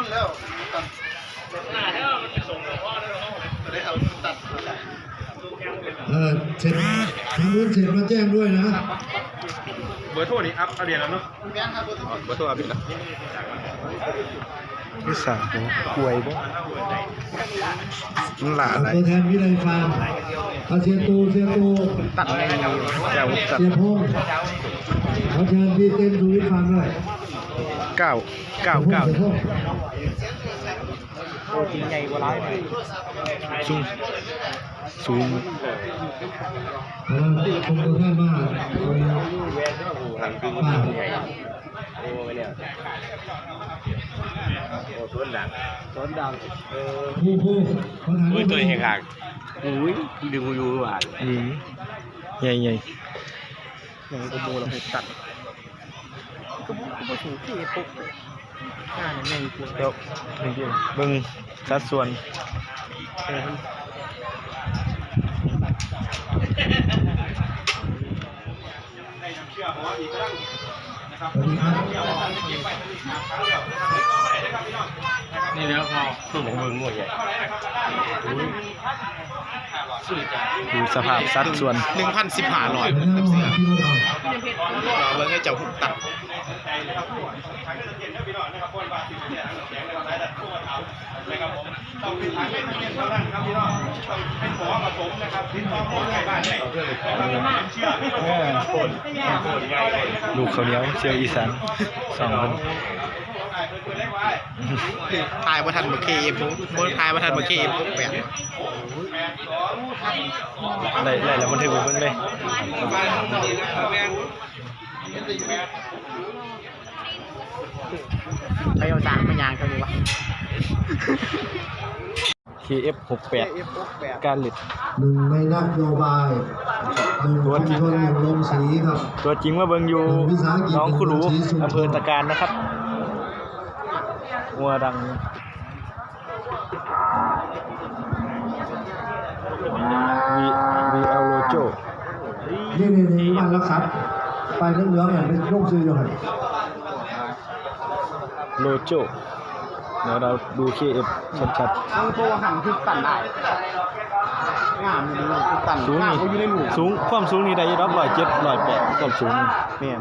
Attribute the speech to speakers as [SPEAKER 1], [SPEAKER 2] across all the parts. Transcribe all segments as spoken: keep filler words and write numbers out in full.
[SPEAKER 1] นแล้วตัดได้ครับตัด
[SPEAKER 2] เออเสร็จทางนู้นเสร็จมาแจ้งด้วยนะ
[SPEAKER 3] เบอร์โทรนี่อัพอัปเดตแล้วเนาะเบอร์โทรอัปเดตแล้ว
[SPEAKER 4] ที่สามกล้วยบ่มันหลาอะไร
[SPEAKER 2] ตัวแทนวิไลฟาร์มเอาเสียตูเสียตู
[SPEAKER 4] ตัดไงเจ้าตัด
[SPEAKER 2] เสียพงษ์เขาเชิญพี่เต้นดูวิฟาร์มด้วย
[SPEAKER 4] เก้าเก้าเก้า
[SPEAKER 3] โอ้จริงไงกว่าร้าย
[SPEAKER 4] สูงสูง
[SPEAKER 2] เพราะว่าคงตัวแทนมากป้า
[SPEAKER 3] โอ้ไปเนี่ยโอ้ต้นดังต้นดังเออ
[SPEAKER 2] ผู้ผู้เขาถาม
[SPEAKER 3] อุ้ยตัวเองห่างอุ้ยดึงอยู่หวาน
[SPEAKER 4] อืมใหญ่ใหญ่
[SPEAKER 3] ยังกระโบเราไปตัดกระโบกระโบสูงที่ปุ๊บข้าเนี่ยยังกู
[SPEAKER 4] เดี๋ยวเบิ่งสัดส่วน
[SPEAKER 3] นี่แล้วพอตู้ของมึงงวดใหญ่
[SPEAKER 4] ดูสภาพสัดส่วน
[SPEAKER 3] หนึ่งพันสิบห้าร้อยเราเบิ่งให้เจ้าหุ่นตัด
[SPEAKER 4] ลูกเขาวเหนียวเชียวอีสานสองคน
[SPEAKER 3] ทายประทันบักเคเอฟบนทายประทันบักเคเอฟแปด
[SPEAKER 4] ได้ได้แล้วมันถึงเบิ่งเลย
[SPEAKER 3] ใครเอาจางมายางเขาดีวะ
[SPEAKER 4] เค เอฟ หกแปด การเล็ด
[SPEAKER 2] หนึ่งในนโยบายหนึ่งชุมชนหนึ่งลงสีครับ
[SPEAKER 4] ตัวจริงว่าเบิ่งอยู่น้องคุรูอำเภอตะการนะครับวัวดังวีวีเอลโลโจ
[SPEAKER 2] นี่นี่นี่มันแล้วครับไปเรื่องเหลืองเนี่ยเป็นลูกซื้ออยู่ครับ
[SPEAKER 4] โลโจเดี๋ยวเราดู เค เอฟ ชัด
[SPEAKER 3] ๆทั้งตัวหันคือตันได้งามอยู่ดีคือตัน
[SPEAKER 4] สูงนี่สูงความสูงนี่ได้รับร้อยเจ็ดร้อยแปดความสูง
[SPEAKER 3] เนี่ย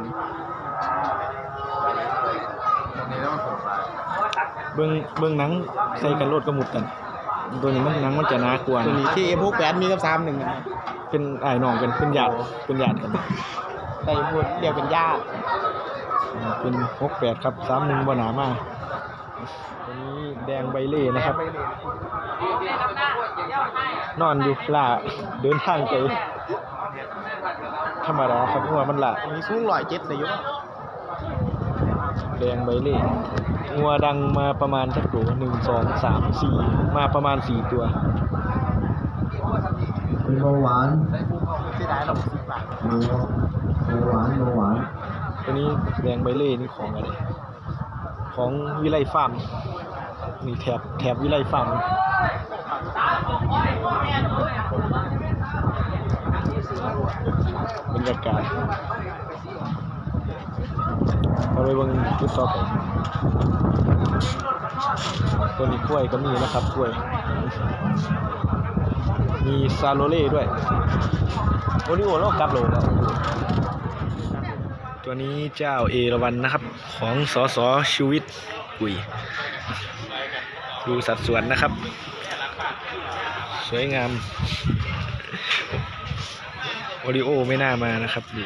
[SPEAKER 4] เบิ้งเบิ้งหนังใส่กันโลดกระหมุดกันตัวนี้มันหนังมันจะน่ากลัว
[SPEAKER 3] ตัวนี้ที่เอฟหกแปดมีกับสามหนึ่ง
[SPEAKER 4] เป็นไอ้น้องเป็นเป็นญาติเป็นญาติกัน
[SPEAKER 3] ใส่พูดเดียวเป็นญาติ
[SPEAKER 4] เป็นหกแปดครับสามหนึ่งบ่หนามากตัวนี้แดงใบเล่นะครับนอนอยู่ล่าเดินทางไปธรรมดาครับเพราะว่ามันล่า
[SPEAKER 3] มีสูงร้อยเจ็ดเลยยุ
[SPEAKER 4] แดงใบเล่งัวดังมาประมาณสักตัวหนึ่งสองสามสี่มาประมาณสี่ตัว
[SPEAKER 2] เป็นเบาหวาน
[SPEAKER 3] เสียดายเราสิบบาท
[SPEAKER 2] เบาหวานเบาหวาน
[SPEAKER 4] ตัวนี้แดงใบเล่นี่ของอะไรของวิไลฟาร์มนี่แถบแถบวิไลฟาร์มบรรยากาศเอาไปเบิ่งจุดต่อไปตัวนี้กล้วยก็มีนะครับกล้วยมีซาโลเล่ด้วยโอริโอโลกับโลแล้วตัวนี้เจ้าเอราวัณนะครับของสสชูวิทย์กุยดูสัดส่วนนะครับสวยงามโอริโอไม่น่ามานะครับดู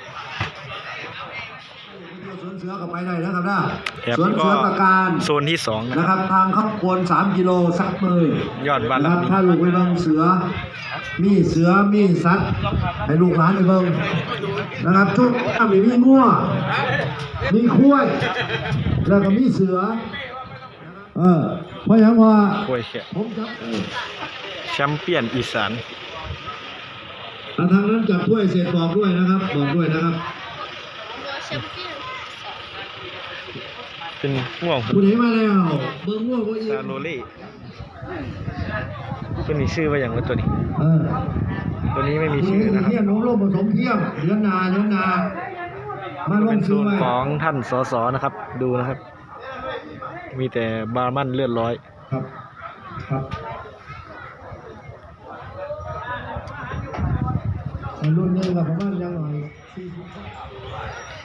[SPEAKER 2] สวนเสือกับไปได้นะครับนะ
[SPEAKER 4] สวนเสือประการโซนที่สอง
[SPEAKER 2] นะครับทางข้าวควรสามกิโลสักเลย
[SPEAKER 4] ยอดวัน
[SPEAKER 2] นะครับถ้าลูกไปเบิ่งเสือมีเสือมีสัตว์ให้ลูกหลานไปเบิ่งนะครับทุกมีมีงัวมีคุ้ยแล้วก็มีเสือเออเพราะอย่างว่า
[SPEAKER 4] คุ้ยแค่แชมเปี้ยนอีสาน
[SPEAKER 2] ทางนั้นจับถ้วยเสร็จบอกด้วยนะครับบอกด้วยนะครับ
[SPEAKER 4] เป็นง่วง
[SPEAKER 2] คุณเห็นมาแล้วเบอร์ง่วงก็อี
[SPEAKER 4] ซาโลเล่ตัวนี้ชื่อว่าอย่างไรตัวนี้ตัวนี้ไม่มีชื่อนะครับ
[SPEAKER 2] เทียมน้องโลกผสมเทียมเดือนนาเดือนนามาลง
[SPEAKER 4] ซื้อของท่านสสนะครับดูนะครับมีแต่บาร์มันเลือดร้อย
[SPEAKER 2] ครับครับในรุ่นนี้กับประมาณยังหน่อยสี่สิบ